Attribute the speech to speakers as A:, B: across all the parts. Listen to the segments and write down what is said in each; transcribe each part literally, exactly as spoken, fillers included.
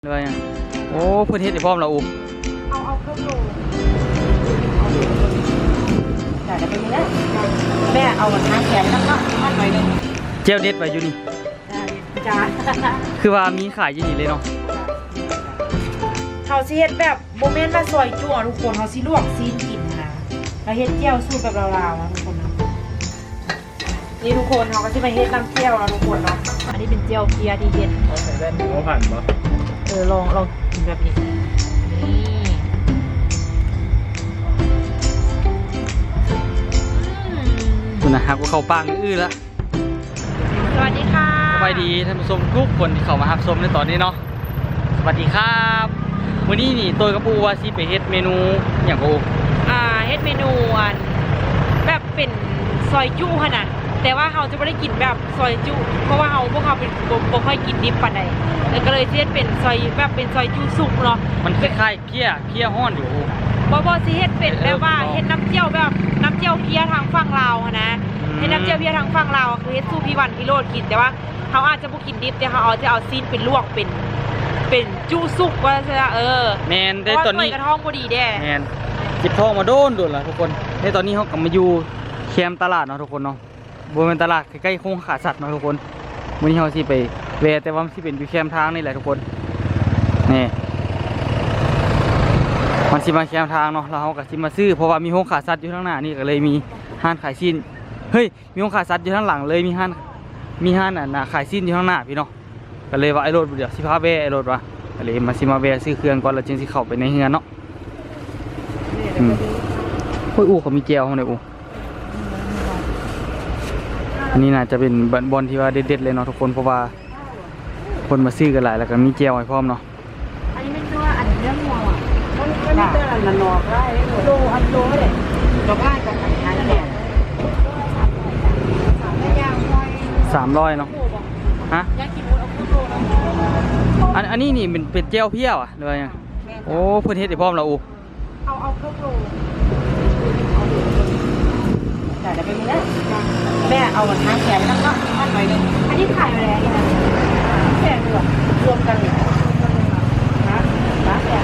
A: เลยโอ้เพื่อนเฮ็ดให้พร้อมแล้วอู
B: เอาเอาเครื่องโลจ่ายได้ไปนี่นะแม่เอาทางแขนแล้วก็มัดหน่อยนึง
A: เจลเด็ดไว้อยู่นี่
B: จ้า
A: คือว่ามีขายอยู่นี่เลยเนาะ
B: เขาสิเฮ็ดแบบโมเมนต์มาซอยจั่วทุกคนเขาสิลวกซีนกินนะแล้วเฮ็ดเจียวสูตรแบบลาวๆนะทุกคนนะนี่ทุกคนเขาก็จะมาเฮ็ดน้ำเจียวนะทุกคนเนาะอันนี้เป็นเจียวเพียที่เฮ็ด
C: เขาใส่แว่นหัวผ่านปะ
B: เออลองลองกินแบบนี้นี่
A: คุณนะฮะกูเข้าปากอื้อละ
B: สวัสดีค่ะ
A: สวัสดีท่านผู้ชมทุกคนที่เข้ามารับชมในตอนนี้เนาะสวัสดีครับวันนี้นี่ตัวกับปูว่าสิไปเฮ็ดเมนูอย่างกู
B: อ่าเฮ็ดเมนูอันแบบเป็นซอยจุขนาดแต่ว่าเขาจะไม่ได้กินแบบซอยจุเพราะว่าเขาพวกเขาเป็นบ่ค่อยกินดิบปานใดแล้วก็เลยเฮ็ดเป็นซอยแบบเป็นซอยจุสุกเนาะ
A: มันคล้ายๆเพี้ยเพี้ยห้อนอยู่
B: บ่บ่สิเฮ็ดเป็นแบบว่าเฮ็ดน้ำเจียวแบบน้ำเจียวเพี้ยทางฝั่งลาวนะเฮ็ดน้ำเจียวเพี้ยทางฝั่งลาวคือเฮ็ดสู้พี่วันพี่โรดกินแต่ว่าเขาอาจจะบ่กินดิบแต่เขาเอาจะเอาซีนเป็นลวกเป็นเป็นจุสุกว่าซั่นเออ
A: แม่นได้ตอนนี้
B: กระท้องบ่ดีแด้
A: แม่นจิบท้องมาโดนโดนล่ะทุกคนในตอนนี้เฮาก็มาอยู่แคมป์ตลาดเนาะทุกคนเนาะบริเวณตลาดใกล้ๆโค้งขาสัตว์เนาะทุกคนวันนี้เราสิไปแวะแต่ว่ามันสิเป็นอยู่แคมป์ทางนี่แหละทุกคนนี่มันสิมาแคมป์ทางเนาะเราเขาก็สิมาซื้อเพราะว่ามีโค้งขาสัตว์อยู่ข้างหน้านี่ก็เลยมีห้านขายสิ้นเฮ้ยมีโค้งขาสัตว์อยู่ข้างหลังเลยมีห้านมีห้านอ่ะขายสิ้นอยู่ข้างหน้าพี่เนาะก็เลยว่าไอ้รถเดี๋ยวสิพาแวะไอ้รถว่ะก็เลยมาสิมาแวะซื้อเครื่องก่อนแล้วจึงสิเข้าไปในเฮือนเนาะอืมโอ้ยอู๋เขามีแจวเขาเนี่ยอู๋อันนี้น่าจะเป็นบอลที่ว่าเด็ดๆเลยเนาะทุกคนเพราะว่าคนมาซื้อกันหลายแล้วก็มีเจลไว้พร้อมเนาะ
B: อันนี้ไม่ใช่ว่าอันเรื่องงัวอ่ะมันมันไม่เป็นอะไรมันนอกได้โลอันโลเลยก็ได้กับอันนั้นแหละ
A: สามร้อยเนาะฮะอันอันนี้นี่เป็นเป็นเจลเพี้ยวอ่ะหรือว่าไงโอ้เพื่อนเฮ็ดให้พร้อมแล้วอู
B: เอาเอาเครื่องโลจ่ายได้ไปนี่นะแม่เอาทางแขนแล้วก็มัดหน่อยนึงอันนี้ขายอะไรนี่นะแขนรวมรวมกันเลยนะนะแขน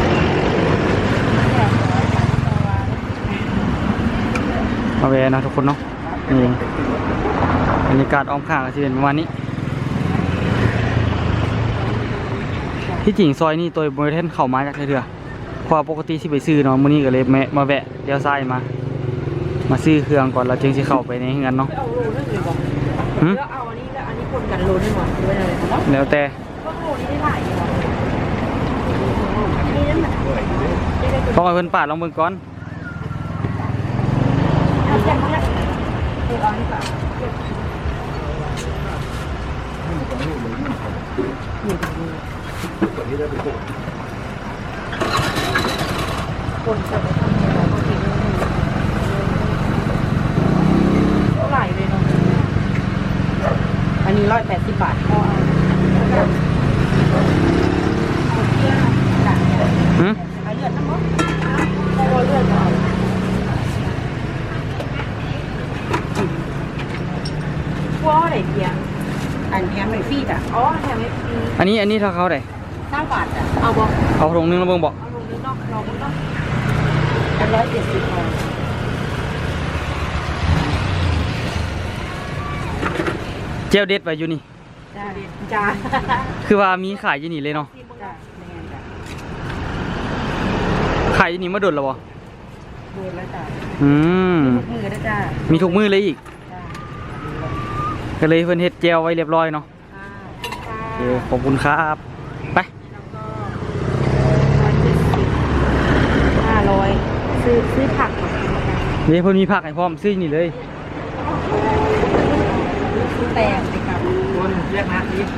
A: มาแวะนะทุกคนเนาะนี่บรรยากาศอ้อมข้างก็จะเป็นประมาณนี้ที่จริงซอยนี่ตัวบริเวณเข้ามาจากเรือเพราะปกติที่ไปซื้อเนาะมื้อนี้ก็เลยมาแวะเลี้ยวซ้ายมามาซื้อเครื่องก่อนแล้วจึงสิเข้าไปในเฮือนเนาะหืม
B: เอาอันนี้แล้วอันนี้คนกันโลได้หมดด้วยเลย
A: แล้วแต่ต้องให้เพิ่นปาดลองเบิ่งก่อน
B: คนจะไปทำอะไรบางทีเท่าไหร่เลยเนาะอันนี้ร้อยแปดสิบบาทพอ
A: หืม
B: เอาเลือดทั้งหมดเอาเลือดเอาพวกอะไรเพียงอันแถมไม่ฟรีจ้ะอ๋อแถมไม่ฟรี
A: อันนี้อันนี้เท่าเขาได้
B: เก้าบาทจ้ะเอาบ่
A: เอาถุงนึงแล้วเบิ่งบ่
B: เอาถุงนึงเนาะเราเบิ่งเนาะอันร้อยเจ็ดสิบพอ
A: เจลเด็ดไว้อยู่นี่
B: จ้าจ้า
A: คือว่ามีขายอยู่นี่เลยเนาะขายอยู่นี่มาโดนแล้วบ่
B: โดนแล้วจ้า
A: อืม
B: มีทุกมือแล้วจ้า
A: มีทุกมือเลยอีกก็เลยเพิ่นเฮ็ดเจลไว้เรียบร้อยเนาะโอเคขอบคุณครับไป
B: ห้าร้อยซื้อซื้อผัก
A: นี่เพิ่นมีผักให้พร้อมซื้อนี่เลย
B: แตงไปกับ
C: คนเรียกนะนี่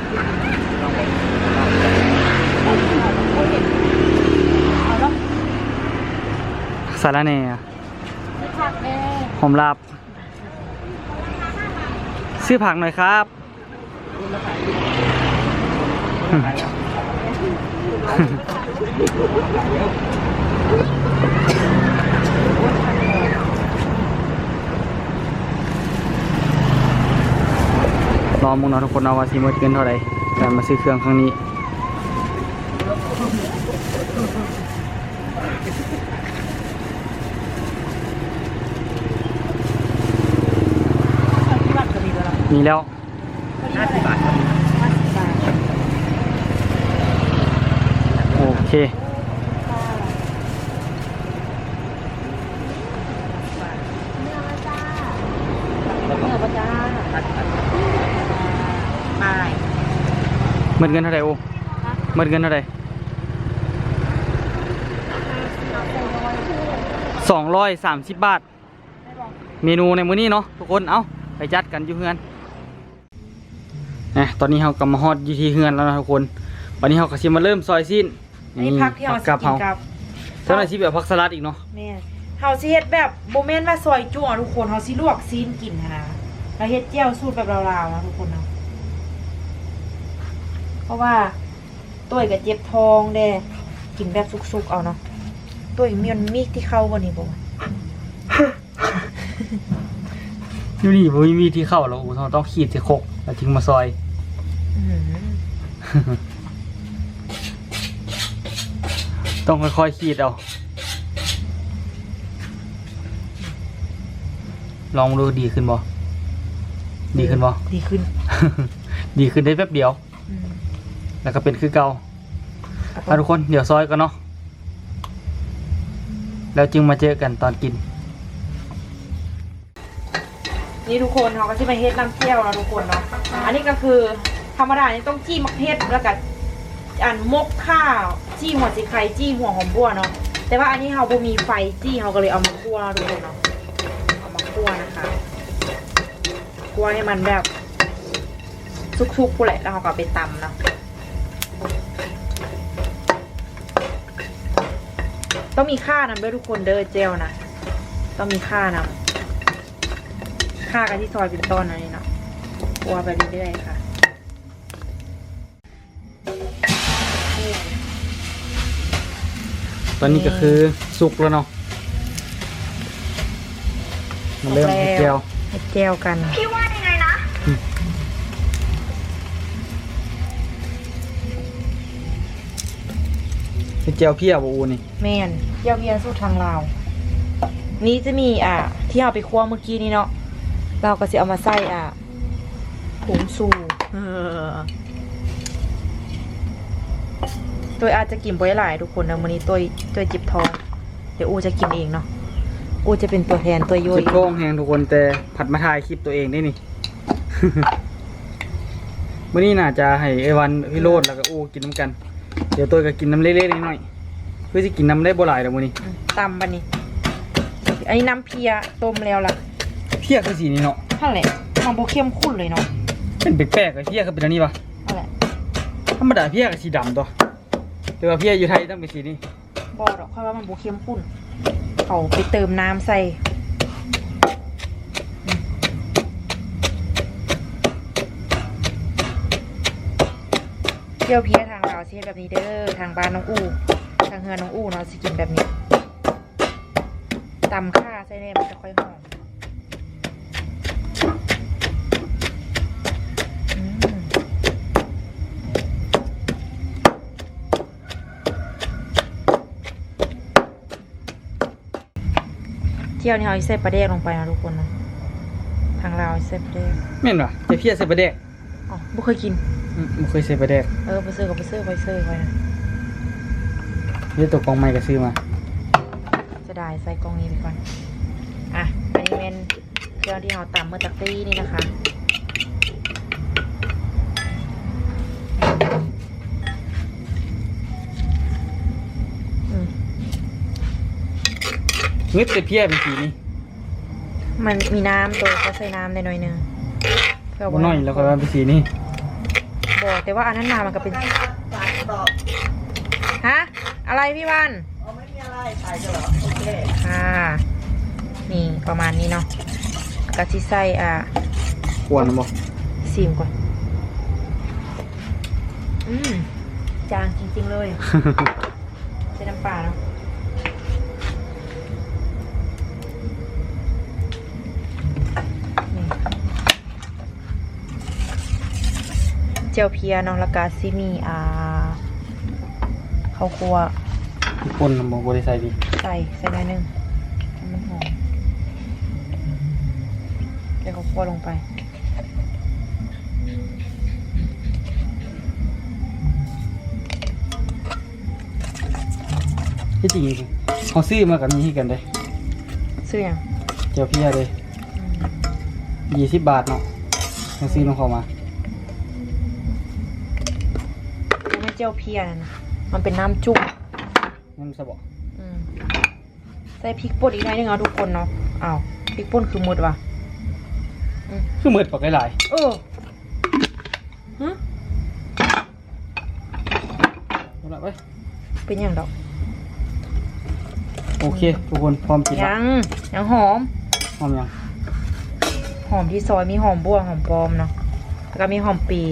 A: สาระแหน่หอมลาบซื้อผักหน่อยครับรอมุงเนาะทุกคนเอาว่าซีมดเกินเท่าไหร่แต่มาซื้อเครื่องครั้งนี้
B: ที่บ้านก็มีแล้วล่ะ
A: มีแล้ว
C: ห้าสิบบาทครับ
B: ห้าสิบบาท
A: โอเค
B: เนื้อปลาจ้า
C: ห้าสิบบาท
B: ไป
A: หมดเงินเท่าไหร่โอ้หมดเงินเท่าไหร่สองร้อยสามสิบบาท เมนูในมื้อนี้เนาะทุกคน เอ้าไปจัดกันอยู่เฮือนนะตอนนี้เรากำมาฮอดอยู่ที่เฮือนแล้วนะทุกคน วันนี้เราก็สิมาเริ่มซอยสิ้น
B: อันนี้พักที่เรา
A: ผั
B: สิ
A: กับ
B: กิน
A: เฮา
B: กับ
A: เจ้าหน้าที่แบบผักสลัดอีกเนาะ
B: แม่เฮาสิเฮ็ดแบบบ่แม่นว่าซอยจุ่ทุกคนเฮาสิลวกซีนกินนะเราเฮ็ดแจ่วสูตรแบบลาวๆนะทุกคนเนาะเพราะว่าต้วยกับเจ็บท้องเด้กินแบบสุกๆเอาเนาะต้วยมีมันมีที่เข้าบ่นี่บ่วะ
A: อยู่นี่บ่มีมีที่เข้าแล้วโอ้เราต้องขีดที่โคกแล้วถึงมาซอย
B: อื้อหือ
A: ต้องค่อยๆขีดเอา ลองดูดีขึ้นบ่ ดีขึ้นบ่
B: ดีขึ้น
A: ดีขึ้นได้แป๊บเดียว
B: อืม
A: แล้วก็เป็นคือเก่าเอาทุกคนเดี๋ยวซอยกันเนาะ แล้วจึงมาเจอกันตอนกิน
B: นี่ทุกคนเขาก็จะมาเฮ็ดน้ำเจียวแล้วทุกคนเนาะ อันนี้ก็คือธรรมดานี่ต้องจี้มักเฮ็ดแล้วก็อันมกข้าวจี้หัวสีไข่จี้หัวหอมบัวเนาะ แต่ว่าอันนี้เราบ่มีไฟจี้เราก็เลยเอามาคั่วทุกคนเนาะ เอามาคั่วนะคะคั่วให้มันแบบสุกๆกูแหละแล้วเราก็เอาไปตำเนาะ ต้องมีค่านำด้วยทุกคนเด้อเจลนะ ต้องมีค่านำค่ากันที่ซอยเป็นต้นอันนี้เนาะคั่วไปเรื่อยๆค่ะ
A: ตอนนี้ก็คือสุกแล้วเนาะมันเริ่มเจียว
B: เฮ็ดแจวกัน
D: พี่ว่ายังไงนะ
A: เป็นเจียวเพี้ยบ่อูนี่
B: แม่นเจียวเพียสูตรทางลาว นี้จะมีอ่ะที่เอาไปคั่วเมื่อกี้นี้เนาะ เราก็จะเอามาใส่อ่ะผงสูเออตัวอาจจะกินบ่อยหลายทุกคนนะมื้อนี้ตัวตัวจิบทอง เดี๋ยวอูจะกินเองเนาะ อูจะเป็นตัวแทนตัวย่อย
A: จิบโก้งแหงทุกคนแต่ผัดมาถ่ายคลิปตัวเองได้นี่ มื้อนี้น่าจะให้ไอวันพี่โรดแล้วก็อูกินน้ำกัน เดี๋ยวตัวก็กินน้ำเล็กๆน้อยๆเพื่อจะกินน้ำได้บ่หลายเดี๋ยวมื้อนี้
B: อืมตำบันนี้ อันนี้น้ำเพียต้มแล้วล่ะ
A: เพี้ยคือสีนี้เนาะ
B: นั่นแหละมันโบเข้มข้นเลยเนาะ
A: เป็นแปลกๆไอ้เพี้ยคือเป็นอันนี้ปะ
B: นั่นแหละ
A: ธรรมดาเพี้ยกับสีดำตัวแต่ว่าเพี้ยอยู่ไทยต้องเป็นสีนี้
B: บอดอกเพราะว่ามันโบเข้มข้นเขาไปเติมน้ำใส่เจียวเพียทางเราวสิเฮ็ดแบบนี้เด้อทางบ้านน้องอู้ทางเฮือนน้องอู้เนาะสิกินแบบนี้ตำข่าใส่แน่มันจะค่อยหอมอืมเจียวนี่เขาใส่ปลาแดกลงไปนะทุกคนนะทางเราวใส่ปลาแดก
A: แม่นปะแต่เพี้ยใส่ปลาแดก
B: อ๋อบ่เคยกิน
A: อืมบ่เคยใส่ปลาแดก
B: เออไปซื้อกับไปซื้อไปซื้อไว้นะ
A: นี่ตัวกองไม้ก็ซื้อมา
B: จะได้ใส่กล่องนี้ไปก่อน อ่ะ อันนี้เป็นเครื่องที่เราตำเมื่อตะกี้นี่นะคะ อืม
A: งึดแต่เพี้ยเป็นสีนี้
B: มันมีน้ำตัวก็ใส่น้ำได้หน่อยหนึงเพื่อ
A: บ่น้อยแล้วก็เป็นสีนี้
B: บอกแต่ว่าอันนั้นมามันก็เป็น ฮะ อะไรพี่วัน
C: อ๋อไม่มีอะไรถ่ายกันเหรอ โอเค
B: ค่ะนี่ประมาณนี้เนาะกะทิใส่อ่ะ
A: ควรนะบ่
B: ซิมก่อน อืม จางจริงๆเลย ใส่น้ำปลาเนาะนี่เจียวเพียเนาะแล้วก็ซิมีอ่า เขาข้าวคั่ว
A: ป่นบ่บ่ได้ใส่ดิ
B: ใส่ใส่หน่อยหนึงให้มันหอมเดี๋ยวข้าวคั่วลงไป
A: ที่จริงเขาซื้อมากับมีให้กันเด้
B: ซื้อยัง
A: เจียวเพียเลยยี่สิบบาทเนาะเขาซื้อน้องเขามา
B: มันไม่เจียวเพียนะ มันเป็นน้ำจุ่ม
A: นั่นสะบอก
B: อืมใส่พริกป่นอีกหน่อยนึงเอาทุกคนเนาะอ้าวพริกป่นคือหมดว่ะ
A: คือเหมือนปากหลาย
B: เออฮะ
A: ๆเอาละไป
B: เป็นยังดอก
A: โอเคทุกคนพร้อมกินละ
B: ยังยังหอม
A: พร้อมยัง
B: หอมที่ซอยมีหอมบัวหอมปลอมเนาะแล้วก็มีหอมปี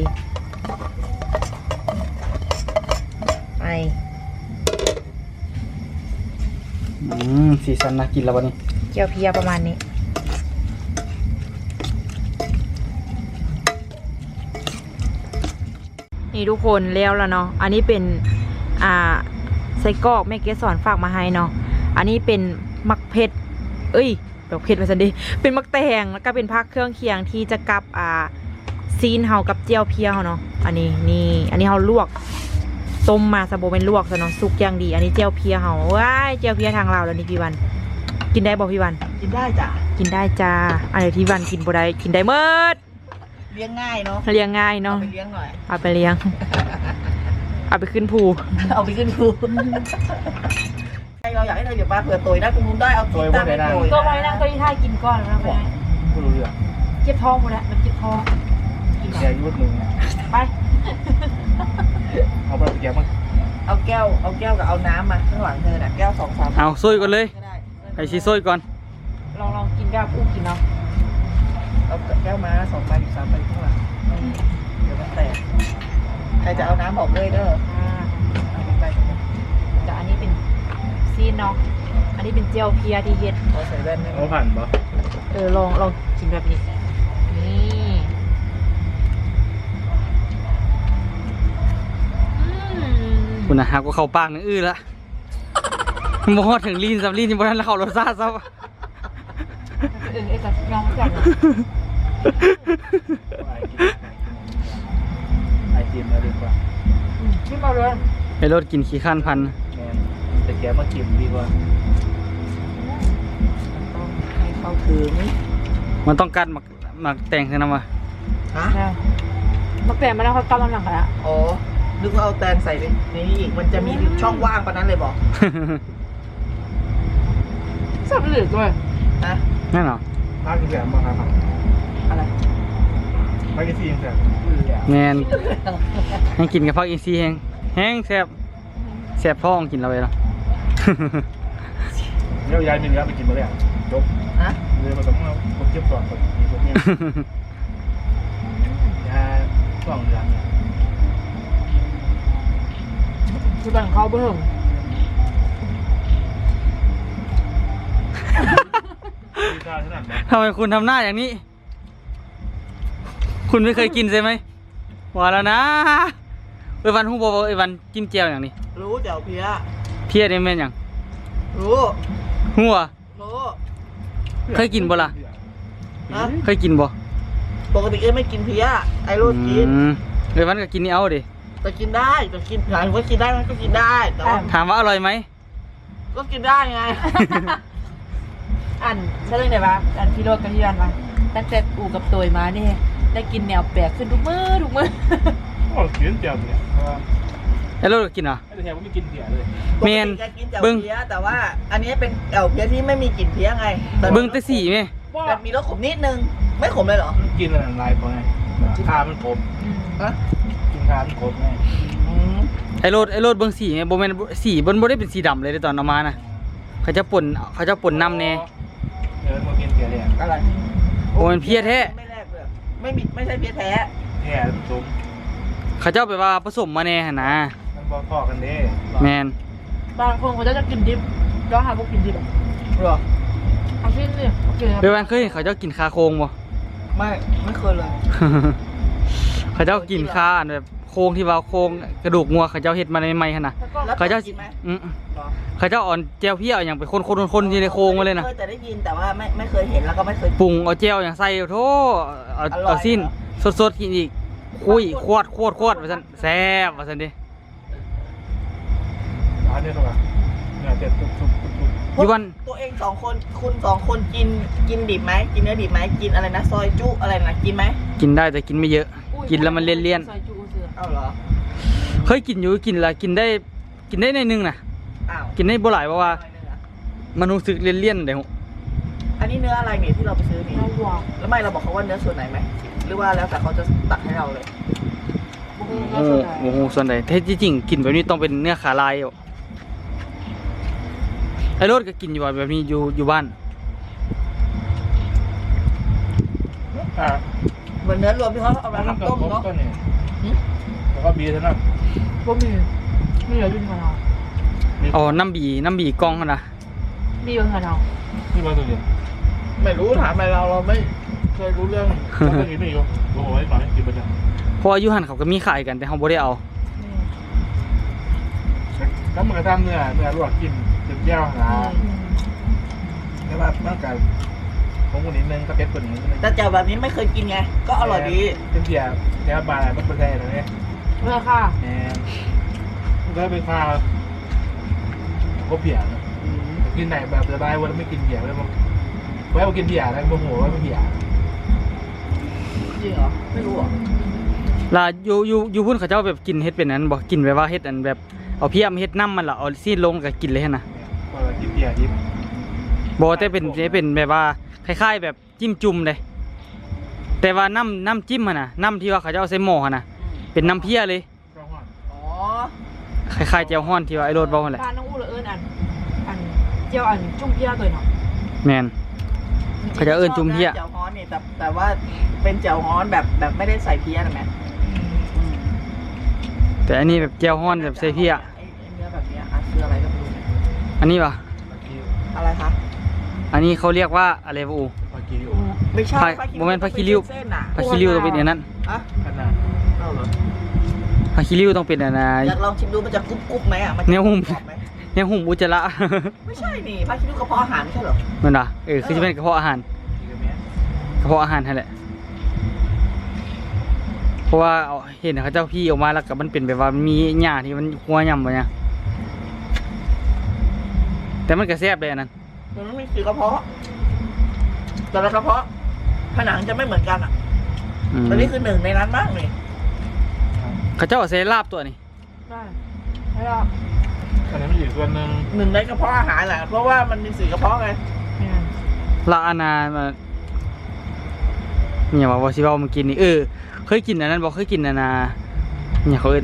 B: ไอ
A: อืมสีสันน่ากินแล้ววันนี้
B: เจียวเพียประมาณนี้นี่ทุกคนแล้วแล้วเนาะอันนี้เป็นอ่าไส้กรอกแม่เกสอนฝากมาให้เนาะอันนี้เป็นมักเผ็ดเอ้ยแบบเผ็ดมาสันดีเป็นมักแตงแล้วก็เป็นผักเครื่องเคียงที่จะกับอ่าซีนเฮากับเจียวเพียเฮาเนาะอันนี้นี่อันนี้เฮาลวกต้มมาสะโบเป็นลวกซะเนาะสุกอย่างดีอันนี้เจียวเพียเฮาว้ายเจียวเพียทางเราแล้วนี่พี่วัน กินได้บ่พี่วัน
C: กินได้จ้ะ
B: กินได้จ้าอันไหนที่วันกินบ่ได้กินได้เมิด
C: เลี้ยงง่ายเนาะ
B: เลี้ยงง่าย
C: เอา
B: เนาะ
C: ไปเลี้ยงหน่อย
B: เอาไปเลี้ยง เอาไปขึ้นภู
C: เอาไปขึ้นภูเราอยากให้เธออย่ามาเผื่อตัวนะคุณลุงได้เอาตัวตั้งไปตัว
B: ตัวไปนั่งตัวที่ท่ากินก่อนแล้วไป
C: คุณรู้เรื่อง
B: เจ็บท้องหมดแล้วมันเจ็บท้องกิน
C: แกยุดหนึ่ง
B: ไป
C: เอาไปแกมาเอาแก้วเอาแก้วกับเอาน้ำมาข้างหลังเธอน่ะแก้วสองสาม
A: เอาซอยก่อนเลย
C: ก็ได้
A: ไอชีซอยก่อน
B: ลองลองกินแบบอู้กินเนาะ
C: เอาแก้วมาสองใบสามใบข้างหลังเดี๋ยวมันแตกใครจะเอาน้ำบอกเลยเด้อ
B: อ่า
C: เอาไป
B: แต่อันนี้เป็นซีนเนาะอันนี้เป็นเจียวเพียที่เฮ็ด
C: เอาใส่แว่นได้
D: เอาผ่านปะ
B: เออลองลองกินแบบนี้นี่อืม
A: คุณนะฮะก็เข้าปากนึงอื้อละมอถึงลีนซับลีนยังบ่ทันแล้วเข้ารสชาติซับ
B: เออเออแต่ยอมกัน
D: ไอจิมแล้วดีกว่า
B: ขึ้นมาเลย
A: ไอรถกินขี้ข้านพัน
D: แมนแต่แกมากินดีกว่า
C: ต้องให้เข้าถึง
A: มันต้องกัดหมักหมักแต่งใช่ไหมวะ
C: ฮะ
B: มาเปลี่ยนมาแล้วเขากำลังหลังกันละ
C: อ๋อนึกว่าเอาแตงใส่ไปในนี้อีกมันจะมีช่องว่างปะนั้นเลยบอก
B: สับเหลือด้วย
C: ฮะ
A: นั่นเหรอ
D: ภาคกินแสบมาครับ
C: อะไร
D: ภาคกินสี่ยังแสบ
A: แมนให้กินกับพักอินซีแห้งแห้งแซ่บแซ่บท้องกินเราไปแล้ว
D: เดี๋ยวยายมีเนื้อไปกินมาแล้วจบ
C: ฮะ
D: เลยมาต้องเอาคนเจ็บก่อนคนมีคนเนี่ยยาสองเดือนเนี่ย
B: คือบังเขาเบิ่ง
D: มีค่าขนาดไหน
A: ทำไมคุณทำหน้าอย่างนี้ คุณไม่เคยกินใช่ไหมว่าแล้วนะเอ้ยวันฮู้บอกว่าเอ้ยวันจิ้มแจ่วอย่างนี้
C: รู้เจ้าเพีย
A: เพี้ยได้แม่นอย่าง
C: รู้
A: หัว
C: รู้
A: เคยกินบ่ล่ะ
C: ฮะ
A: เคยกินบ่
C: ปกติเอ้ยไม่กินเพียไอ้รู้กิน
A: อืมเอ้ยวันก็กินนี่เอาดิ
C: แต่กินได้แต่กินหลายว่ากินได้มันก็กินได้แต่ว่า
A: ถามว่าอร่อยไหม
C: ก็กินได้ไง
B: อันใช่เรื่องไหนวะอันพี่โรดกับพี่วันวะตั้งแต่อู่กับตัวมานี่ได้กินแนวแปลกขึ้นทุกมื้อทุกมื้อ
D: โอ้กินเจียวเนี่ยเพราะว่า
A: ไอ้รถก็กินเหรอ
D: ไอ้แถวไม่กินเสียเลย
C: ปก
A: เม
C: ติ
A: น
C: แกกินแต่
A: เบิ่ง
C: เพียแต่ว่า อันนี้เป็นเอ่วเพียที่ไม่มีกลิ่นเพียไงแต่
A: เบิ้งแต่สีไหม
C: แต่มีรสขมนิดนึงไม่ขมเลยเหรอ
D: มันกินอะไรลายพอไงคามันครบ
C: ฮะ
D: กินคามันครบไง
C: อืม
A: ไอ้รถไอ้รถเบิ้งสีไหมโบแมนสีบนโบได้เป็นสีดำเลยในตอนเอามานะเขาจะป่นเขาจะป่นน้ำแน่
D: เออมากินเสียเลย
C: อะไร
A: โอ้มันเพี้ยแท้
C: ไม่แรกเลยไม่มีไม่ใช่เพียแท้
D: แท้มันซุ้ม
A: เขาเจ้าไปว่าผสมมาแน่หั่นนะ
D: มันบอกพอกันเด้
A: แมน
B: บางคนเขาจะกินดิบย้อนหาพวกกินดิบ
C: หรอ
B: เอาชิ้นนี่กิน
A: เดี๋ยววันเคยเห็นเขาเจ้ากินคาโครงบ่
C: ไม่ไม่เคยเลย
A: เขาเจ้ากินคาอันแบบโคครงที่ว่าโครงกระดูกงัวเขาเจ้าเฮ็ดมาใหม่ๆหั่นน่ะ
B: แล้วก็
C: แล้ว
A: เขาเจ้า
C: กินไหม
A: อืม
C: หรอ
A: เขาเจ้าอ่อนแจ่วเพี้ยอย่างไปคนๆๆๆอยู่ในโครงมาเลยนะ
C: เคยแต่ได้ยินแต่ว่าไม่ไม่เคยเห็นแล้วก็ไม่เคย
A: ปรุงเอาแจ่วอย่างใส่โธ่เอา
C: อร่อย
A: เอาสิ้น
C: เหรอ
A: สดๆกินอีกคุยควดควดควดว่าซั่นแซ่บว่าซั่นดิ
D: อันนี้เท่าไหร่เนี่ยเจ็ดทุบทุบทุบทุบ
A: อยู่วัน
C: ตัวเองสองคนคุณสองคนกินกินดิบไหมกินเนื้อดิบไหมกินอะไรนะซอยจุอะไรนะกินไหม
A: กินได้แต่กินไม่เยอะ กินแล้วมันเลี่ยน
B: ซอยจูเสือ
C: เอาเหรอ
A: ๆเคยกินอยู่กินละกินได้กินได้ในอยนึงน่ะ
C: อ้าว
A: กินได้บ่หลายเพราะว่า
C: หน่อยนึงอะ
A: มันรู้สึกเลี่ยนๆเด้อ
C: อันนี้เนื้ออะไรเนี่ยที่เราไปซื้อนี่
B: เราหวาน
C: แล้วไม่เราบอกเขาว่าเนื้อส่วนไหนไหมหรือว่าแล้วแต่เขาจะตัดให้เราเลย
A: โอ้โหโอ้โหส่วนใดแท้ที่จริงกินแบบนี้ต้องเป็นเนื้อขาลายอ่ะไอ้รถก็กินอยู่ว่าแบบนี้อยู่อยู่บ้าน
D: อ่า
C: เหมือนเนื้อรวมที่เขาเอามา
D: แล้วก็
C: ทำต้ม
D: ครบ
C: เนาะ
D: ก็เนี่ยแล้วก็บีเท่านั้น
B: ก็มีมีเหลืออยู่ในเรา
A: อ๋อน้ำบีน้ำบีกล้องหั่นนะ
B: มีอยู่ในเรา
D: ที่มาตัวเดียว
C: ไม่รู้ถามอะไรเราเราไม่เคยรู้เรื่อง
D: แล้วก็กินนี่อยู่โอ้โหไอ้หน่อยกินไปจ้ะ
A: เพราะว่าอยู่หันเขาก็มีขายกันแต่เขาบ่ได้เอา
D: แล้วมันกระทำเนื้อเนื้อลวกกินจนแก้วหาแล้วแบบร่างกายของคนนิดนึงก็เก็บคนนี้นึง
C: แต่แจ่วแบบนี้ไม่เคยกินไง ก็อร่อยดี
D: เป็นเสียแก้วบาร์มันเป็นแท้เลยเนี่ย
B: เมื่อค่ะ
D: แหมมันก็เป็นข้าวก็เผียนะกินไหนแบบสบายวันไม่กินเบียร์เลยมั้งไว้เอากินเบียร์แล้วโมโหว่าเป็นเบียร์
C: จริงเหรอไม่รู้เหรอ
A: ล่ะอยู่อยู่อยู่พุ่นเขาเจ้าแบบกินเฮ็ดเป็นนั้นบ่กินแบบว่าเฮ็ดอันแบบเอาเพียมเฮ็ดน้ำมันล่ะเอาซีดลงก็กินเลยหั่นน่ะ
D: ก็กินเบียร์ดิบ
A: บ่แต่เป็นจะเป็นแบบว่าคล้ายๆแบบจิ้มจุ่มเลยแต่ว่าน้ำน้ำจิ้มหั่นน่ะน้ำที่ว่าเขาเจ้าเอาใส่หม้อหั่นน่ะเป็นน้ำเพี้ยเลย
D: ก็ห่อน
C: อ๋อ
A: คล้ายๆแจ่วฮ้อนที่ว่าไอ้โรดเว้าหั่นแหละ
B: บ้านน้องอู้เลยเอิญอันอันเจียวอันจุ่มเพี้ยตัวเนาะ
A: แม่น เขาจะเอิ้นจุ่มเพี้ย
C: แจ่วฮ้อนนี่แต่แต่ว่าเป็นแจ่วฮ้อนแบบแบบไม่ได้ใส่เพี้ยนะแม่อืม
A: แต่อันนี้แบบแจ่วฮ้อนแบบใส่เพี้ย
C: ไอ้ไอ้เนื้อแบบเนี้ยอ่ะคืออะไรก็ไม่รู้เนี่ย
A: อันนี้ป่ะ
C: อะไรคะ
A: อันนี้เขาเรียกว่าอะไรวะอู
D: พอกินอยู่
C: ไม่ใช่
A: ผักโมเมนต์ผักขี้ริ้ว
C: เส้นน่ะ
A: ผักขี้ริ้วต้องเป็นอันนั้น
C: อะ
D: ขนาด
C: เอาเหรอ
A: ผักขี้ริ้วต้องเป็นอันน่ะ
C: อยากลองชิมดูมันจะกรุบกรุบไหมอ่ะมันจะ
A: แนวหุ่ม
C: กรอบไหม
A: เนี่ยหุ่มอุจจาระ
C: ไม่ใช่นี่ผักขี้ริ้วกระเพาะอาหารไม่ใช่เหรอ
A: มันน่ะเออคือจะเป็นกระเพาะอาหาร
D: กินกับแม่
A: กระเพาะอาหารนั่นแหละเพราะว่าเอาเห็นเขาเจ้าพี่ออกมาแล้วก็มันเป็นแบบว่ามีหญ้าที่มันหัวยำบ่เนี่ยแต่มันก็แซ่บเลยอันนั้น
C: มันไม่มีสีกระเพาะแต่ละกระเพาะผนังจะไม่เหมือนกันอ่ะ
A: อืม
C: อันนี้คือหนึ่งในนั้นบ้างนี่
A: เขาเจ้าเอาใส่ลาบตัวนี้
B: ได้แล้วก็
D: อันนี้มันอยู่ส่วนหนึ่ง
C: หนึ่งในกระเพาะอาหารแหละเพราะว่ามันมีสีกระเพาะไง
B: เนี่ย
A: ลาอานามาเนี่ยว่าบ่สิเว้ามากินนี่เออเคยกินอันนั้นบ่เคยกินอันน่ะเนี่ยเขาเอิ้น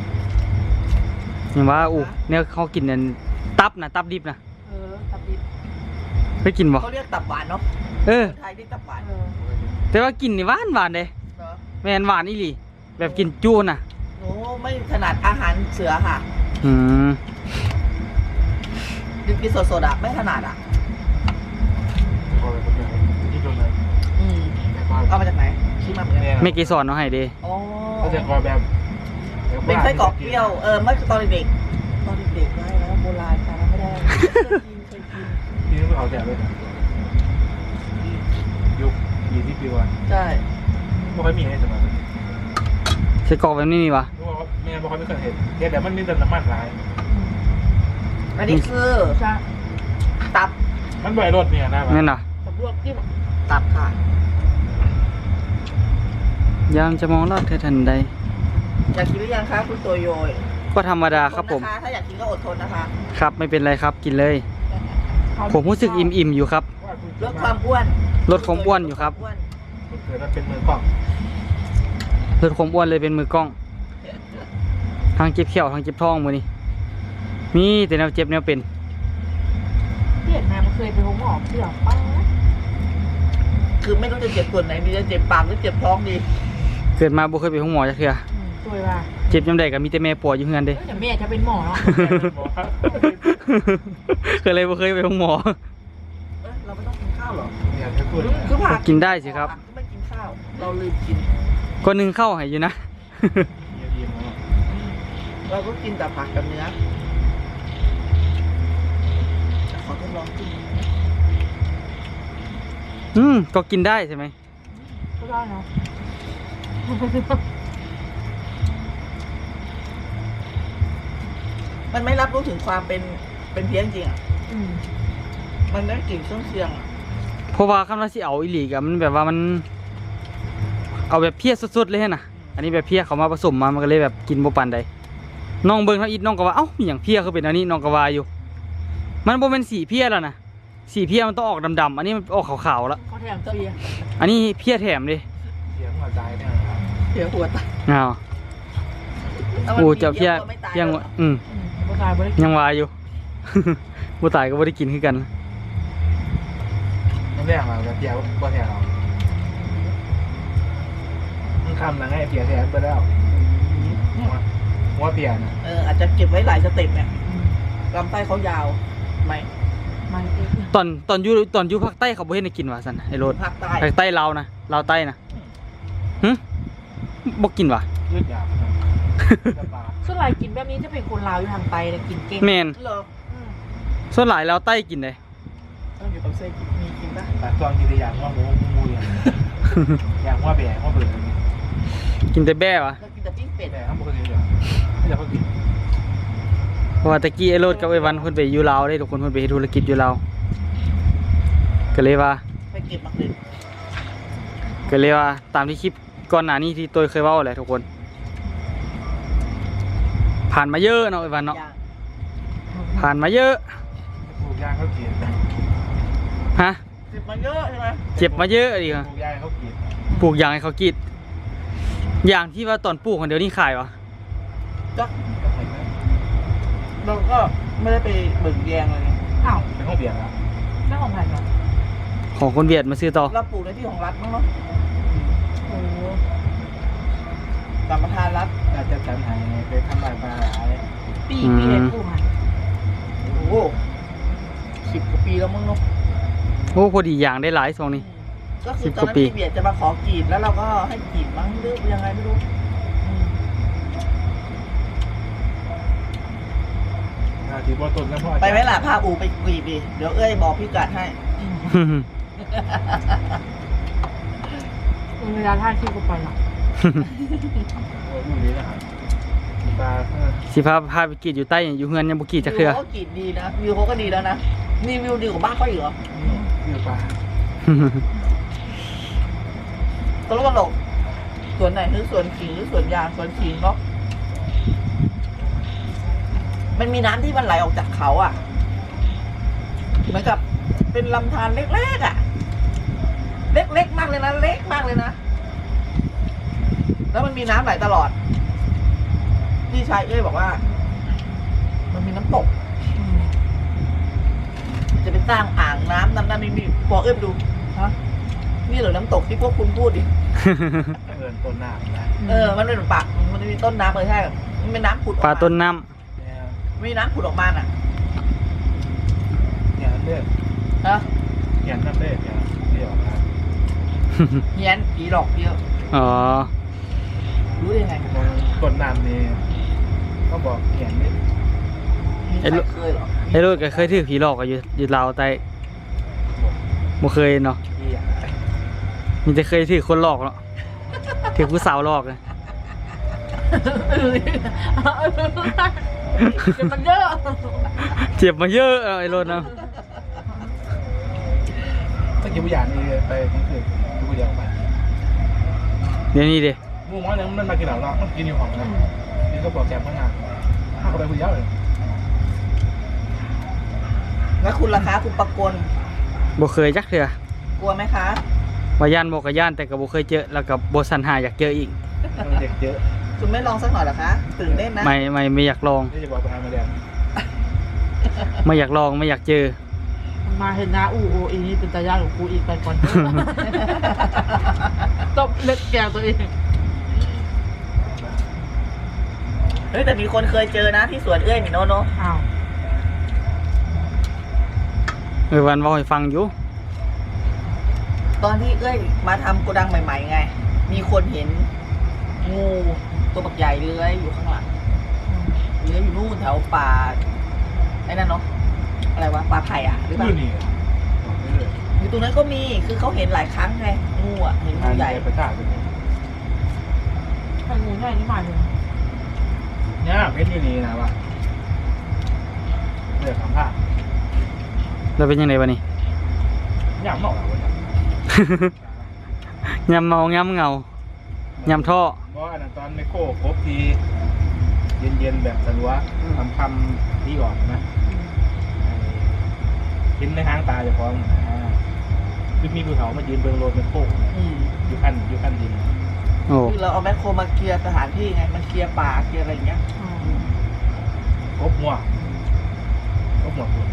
A: เนี่ยว่าอู้เนี่ยเขากินอันตับน่ะตับดิบน่ะ
B: เออตับดิบ
A: เคยกินบ่
C: เขาเรียกตับหวานเนาะ
A: เออ
C: คนไทยเรียกตับหวาน
B: เออ
A: แต่ว่ากินนี่หวานหวานเด้
C: เนาะ
A: แม่นหวานอีหลีแบบกินจูน่ะ
C: โอ้ไม่ถนัดอาหารเสือค่ะ
A: อืม
C: กินสดๆอ่ะไม่ถนัดอ่ะ
D: พอไปคนเดียวที่ตรงนั้น
C: อืม
D: แต่พอ
C: เอามาจากไหนชี้มาเหมือนกัน
A: แม่เกสรเอาให้เด้
C: อ๋อ
D: ก็จะคอแบบ
C: เป็นไส้กรอกเปรี้ยวเออเมื่อตอนเด็กๆตอนเด็กๆได้แล้วโบราณแต่ไม่ได้เคยกินเคยกิน
D: ที่นี่เขาแจกเลยยุคยี่สิบปีวัน
C: ใช่
D: ไม่ค่อยมีให้สมัยนั้น
A: ใส่กรอกแบบนี้มีวะ
D: เพราะว่าแม่ไม่ค่อยไม่เคยเห็นแค่แต่มันมีแต่น้ำมันหลาย
C: อันนี้คือ
B: ใช่
C: ตับ
D: มันใบรถเนี่ยนะ
A: นั่นน่ะ
B: ตับลวกจิ้ม
C: ตับค่ะ
A: ยามจะมองลอดเธอทันใด
C: อยากกินหรือยังคะคุณตัวโยย
A: ก็ธรรมดาครับผม
C: อดทนนะคะถ้าอยากกินก็อดทนนะคะ
A: ครับไม่เป็นไรครับกินเลย ผมรู้สึกอิ่มๆอยู่ครับ
C: ลดความอ้วน
A: ลดความอ้วนอยู่ครับ
C: อ้วน
D: เกิดมันเป็นมือกล้อง
A: ลดความอ้วนเลยเป็นมือกล้องทางเจ็บเขียวทางเจ็บท้องมือนี่มีแต่แนวเจ็บแนวเป็น
B: เพี้ยนมามันเคยไปหงหอมเสือป้า
C: คือไม่รู้จะเจ็บส่วนไหนมีจะเจ็บปากหรือเจ็บท้องดี
A: เกิดมาบ่เคยไปห้องหมอจักเทื่อ
B: สวยว่ะ
A: เจ็บยามใดก็มีแต่แม่ปวดอยู่เฮือนเด้
B: เอ้ยแต่แม่จะเป็นหมอเนาะ
A: ก็เลยบ่เคยไปห้องหมอ
C: เอ้ยเราไม่ต้องกินข้าวเหรอ
D: เนี่ยจะพูด
C: คือผัก
A: กินได้สิครับ
C: ไม่กินข้าว เราลืมกิน
A: ก็นึ่งเข้าให้อยู่นะ
D: เยี่ยมๆ
C: เราก็กินแต่ผักกับเนื้อขอทดลองกินนะ
A: อืมก็กินได้ใช่ไหม
B: ก็ได้นะ
C: มันไม่รับรู้ถึงความเป็นเป็นเพี้ยนจริงอ่ะ
B: อืม
C: มันได้กลิ่นเครื่องเคียงอ่ะ
A: เพราะว่าคำว่าสิเอาอีหลีกอะมันแบบว่ามัน เอาแบบเพี้ยสดๆเลยนะอันนี้แบบเพี้ยเขามาผสมมามันก็เลยแบบกินบ่ปานใดน้องเบิ่งเท่าอีทน้องก็ว่าเอ้ามีหยังเพี้ยคือเป็นอันนี้น้องก็ว่าอยู่ มันบ่เป็นสีเพี้ยแล้วนะสีเพี้ยมันต้องออกดำๆอันนี้มันออกขาวๆแล้ว
B: เขาแถมฟรีอะ
A: อันนี้เพี้ยแถมดิ
D: เสียงหัวใจเนี่ยนะครับ
C: เพี้ยหัวตาย
A: อ้าว
C: ถ้ามัน
A: โอ้
C: มี
A: เจ้าเพี้ย
C: ก็ไม่ตาย
A: เพี้ยง
C: หร
A: วะ
C: อก
A: อืม
B: อืมบ่ตายบ่ได้
A: ยังว่าอยู่ บ่ตายก็บ่ได้กินคือกัน
D: น้ำแดงเราจะเพียบ่แทนเรามันคำนะไงเพียแทนไปแล้วว่าเพียนะ
C: เอออาจจะเก็บไว้หลายสเต็ปเนี่ย
B: อืม
C: ลำไส้เขายาวไหม
B: มันเอง
A: ตอนตอนอยู่ตอนอยู่ภาคใต้เขาบ่เฮ็ดให้กินว่าซั่นไอ้โรด
C: ภาคใต้
A: ภาคใต้ลาวนะลาวใต้นะหึบ่กินว่ะ
D: ยืดยาวจะปลา
B: ส่วนหลายกินแบบนี้จะเป็นคนลาวอยู่ทางไตเลยกินเก่ง
A: แม่น
C: เหรอ
B: อืม
A: ส่วนหลายลาวใต้กินได้
C: ต้องอยู่กับเส้นมีกินปะ
D: แต่ตอนกินแต่อย่างว่าหมูมูอย่างอย่างว่าแบะว่าเบื่ออย่างนี้
A: กินแต่แบ้วะ
C: เรากินแต่ปิ้งเป็ด
D: แต่ข้างบนก็เยอะไม่อยากกิน
A: เพราะว่าตะกี้ไอ้โรดกับไอ้วันเพิ่นไปอยู่ลาวได้ทุกคนเพิ่นไปเฮ็ดธุรกิจอยู่ลาวก็เลยว่า
C: ไปเก็บมักเลย
A: ก็เลยว่าตามที่คลิปก่อนหน้านี้ที่ตัวเคยเว้าแหละทุกคน ผ่านมาเยอะเนาะไอ้วันเนาะ
C: ย่าง
A: ผ่านมาเยอะ
D: ปลูกยางเขากิน
A: ฮะ
C: เจ็บมาเยอะใช่ไหม
A: เจ็บมาเยอะดิ
D: ป
A: ค่ะ
D: ลูกยางเขากิน
A: ปลูกยางให้เขากินอย่างที่ว่าตอนปลูกคนเดียวนี่ขายวะ
C: จ๊ะเราก็ไม่ได้ไปเบิ่งแยงเลยไง
B: อ้าว
D: เป็นห้องเบียร์แล้ว
B: เรื่องของใครก่อน
A: ของคนเวียดมาซื้อต่อ
C: เราปลูกในที่ของรัฐมั้งเนาะ
B: โอ้โห
C: สัมปทานรัฐ
D: อาจจะจันหายไปทำลายปลาหลาย
B: ปีปีเห็นผู้หัน
C: โอ้โหสิบกว่าปีแล้วมั้งเนาะ
A: โอ้พอดีอย่างได้หลายซองนี่
C: ก็คื
A: สิ
C: อบ ต
A: ก
C: อน
A: ว่า
C: นั้น
A: ปี
C: พี่เบียดจะมาขอกรีดแล้วเราก็ให้กรีดมั้งหรือยังไงไม่รู้อืม
D: อาทิตย์ว่าต้นแล้วพ่อ
C: ไปไหมล่ะพาอูไปกรีดดิเดี๋ยวเอ้ยบอกพี่กัดให้
B: เวลาท่าที่กูไปหรอก
D: อยู่นี่นะครับปลา
A: สิพาพาไปกรีดอยู่ใต้อยู่เฮือนยังบ่กรีดจักเทื่อ
C: วิวเขาก็กรีดดีนะวิวเขาก็ดีแล้วนะนี่วิวดีกว่าบ้านเขาอีกเหรอ
D: อยู่ปลา
C: ตลกตลกสวนไหนหรือสวนขิงหรือสวนยางสวนขิงเนาะมันมีน้ำที่มันไหลออกจากเขาอ่ะเหมือนกับเป็นลำธารเล็กๆอ่ะ เล็กๆมากเลยนะเล็กมากเลยนะแล้วมันมีน้ำไหลตลอดพี่ชายเอ้ยบอกว่า มันมีน้ำตก
B: อืม
C: จะไปสร้างอ่างน้ำนั่นนั่นนี่นี่บอกเอ้ยไปดูฮะนี่เหรอน้ำตกที่พวกคุณพูดดิ
D: เอินต้นหน้านะ
C: เออ มันเป็นปากมันจะมีต้นน้ำเลยใช่ มันเป็นน้ำผุดออก
A: ปลา
C: มา
A: ต้นน้ำ
C: มีน้ำผุดออกมาน่ะ
D: เนี่ยเลือด
C: ฮะ
D: เขียนนั่นเลือดเนี่ยเดี๋ยวนะ
C: เฮียนผีหลอกเยอะ
A: อ๋อ
C: รู้ได้ไง
D: ต้นน้ำนี่เขาบอกเขียนนี่
C: มีใครเคยเหรอ
A: ไอ้โรดก็เคยถือผีหลอกอะอยู่อยู่ลาวใต้บ่เคยเนาะ
D: ที่อ่ะ
A: มีแต่เคยถือคนหลอกเนาะถือผู้สาวหลอกเลย
B: เออเดี๋ยวมันเยอะ
A: เจ็บมาเยอะเอาไอ้โรดเนาะ
D: ถ้ากินผู้ใหญ่นี่ไปนี่คือผู้ใหญ่ออกไป
A: เดี๋ยวนี้เด้
D: งูมันยังมันมากินเหล่าเรามันกินอยู่ของนะนี่ก็บอกแกพนักงานถ้าเขาไปผู้ใหญ่เลย
C: แล้วคุณล่ะคะคุณประกล
A: บ่เคยจักเทื่อก
C: ลัวไหมคะ
A: ว่าย่านบ่ก็ย่านแต่ก็บ่เคยเจอแล้วก็บ่สันหาอยากเจออีก
D: เด็กเยอะ
C: คุณไม่ลองสักหน่อยเหรอคะตื่นเต้นนะ
A: ไม่ไม่ไม่อยากลอง
D: นี่จะบอกไปทางมาแดง
A: ไม่อยากลองไม่อยากเจอ
B: มันมาเห็นนะอูโออีนี่เป็นตายากของกูอีกไปก่อนเถอะตบเล็กแกวตัวเอง
C: เฮ้ยแต่มีคนเคยเจอนะที่สวนเอ้ยมีโนโน
B: อ้าว
A: เออวันเว้าให้ฟังอยู่
C: ตอนที่เอ้ยมาทำโกดังใหม่ๆไง มีคนเห็นงูตัวบักใหญ่เลื้อยอยู่ข้างหลัง
B: อืม
C: นื้ออยู่นู่นแถวป่าไอ้นั่นเนาะอะไรวะป่าไผ่อะหรือเปล่า
D: นี่นี่บอกได้เลย
C: อยู่ตรงนั้นก็มีคือเขาเห็นหลายครั้งไงงูอ่ะเห็นงู
D: ทาน
C: ใหญ่
D: ใหญ่ประกาศเป็น
B: ไข่งูใหญ่นี่มาเลย
D: เนี่ยเพชรอยู่นี่นะวะเดือดสัมภาษณ์
A: แล้วเป็นยังไงวะนี่
D: อยากบอกอะไรวะ
A: ยำเมายำเงายำท่อ
D: เพราะอันนั้นตอนไมโครครบทีเย็นๆแบบสลัวคำคำที่ก่อนนะกินในห้างตาจะพร้อมนะคือมีภูเขามายืนเบื้องโลดไมโคร
C: อืม
D: อยู่ขั้นอยู่ขั้นดิน
A: โอ้
C: คือเราเอาแมคโครมาเคลียร์สถานที่ไงมันเคลียร์ป่าเคลียร์อะไรอย่างเงี้ย
D: ครบหัวครบหมดเลย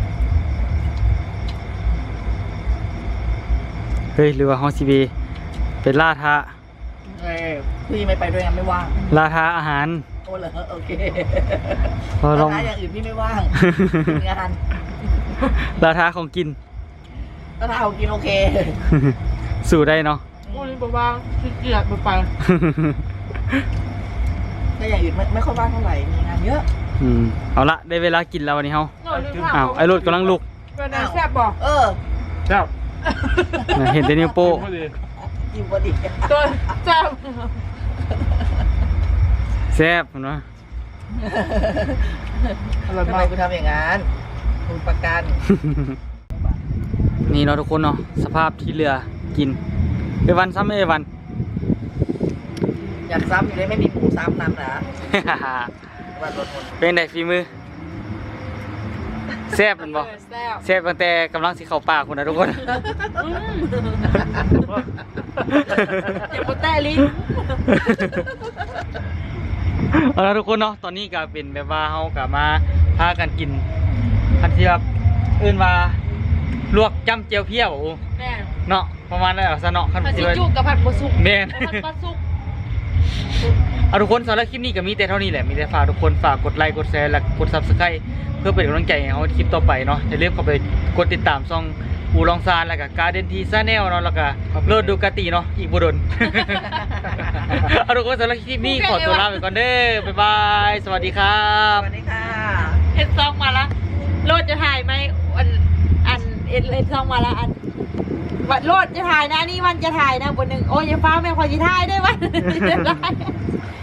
A: เฮ้ยหรือว่าฮอสิเบเป็นล่าท้า
C: เอ้ยพี่ไม่ไปด้วยไงไม่ว่าง
A: ล่าท้าอาหาร
C: โอ้เหรอโอเค
A: พอลอง
C: ถ้าอย่างอื่นพี่ไม่ว่างมีงาน
A: ล่าท้าของกิน
C: ถ้าทาเอากินโอเค
A: สู่ได้เนาะ
B: โอ้ยบอกว่าขี้เกียจไปไป
C: ถ้าอย่างอื่นไม่ไม่ค่อยว่างเท่าไหร่มีงานเยอะ
A: อืมเอาละได้เวลากินแล้ววันนี้เฮา
B: โน่นลืมถาม
A: อ้าวไอ้รถกำลังลุก
B: เป็นไงแซ่บบอก
C: เออ
D: เจ้า
A: น่ะเห็นแต่นิ้วโป้
D: พอดี
C: กินพอดี
B: ตัวแซ่บ
A: แซ่บเนาะ
D: อร่อย
C: ทำ
D: มา
C: ไม
D: ก
C: คุณทำอย่างนั้นคุณประกัน
A: นี่เนาะทุกคนเนาะสภาพที่เรือกินเอวันซ้ำเอวัน
C: อยากซ้ำอยู่ได้ไม่มีหมูซ้ำนำนะวันรถหมด
A: เป็นไงฝีมือแซ่บแมันบ่
B: แซ่บ
A: แซ่บตั้งแต่กำลังสิเข้าปากคุณนะทุกคน
B: เจ็บปวดแต่ลิ้น
A: เอาละทุกคนเนาะตอนนี้ก็เป็นแบบว่าเฮาก็มาพากันกินอันที่แบบเอื่นว่าลวกจ้ำเจียวเพี้ยว
B: แม่
A: เนาะประมาณนั้นเอาซะเนาะคัน
B: ผัด
A: สิ
B: ซี
A: ว่า
B: จุกับผัดบะสุก
A: แม่น
B: ผัดบะสุก
A: เอาทุกคนสำหรับคลิปนี้ก็มีแต่เท่านี้แหละมีแต่ฝากทุกคนฝากกดไลค์กดแชร์และกด ซับสไครบ์ เพื่อเป็นกำลังใจให้เฮาคลิปต่อไปเนาะอย่าลืมเข้าไปกดติดตามช่องอูลองซานแล้วก็การ์เดนทีซาแนลเนาะแล้วก็โลดดูกาติเนาะอีกบ่ดน เอาทุกคนสำหรับคลิปนี้ขอตัวลาไปก่อนเด้อบ๊ายบายสวัสดีครั
C: ส
A: บ
C: วัสดีค่ะ
B: เอ็ดซองมาละโลดจะถ่ายไหมอันอันเอ็ดเอ็ดซองมาละอันวันโลดจะถ่ายนะนี่วันจะถ่ายนะบนหนึ่งโอ้ยอย่าฟ้าแม่ขอจะถ่ายได้วันจะได้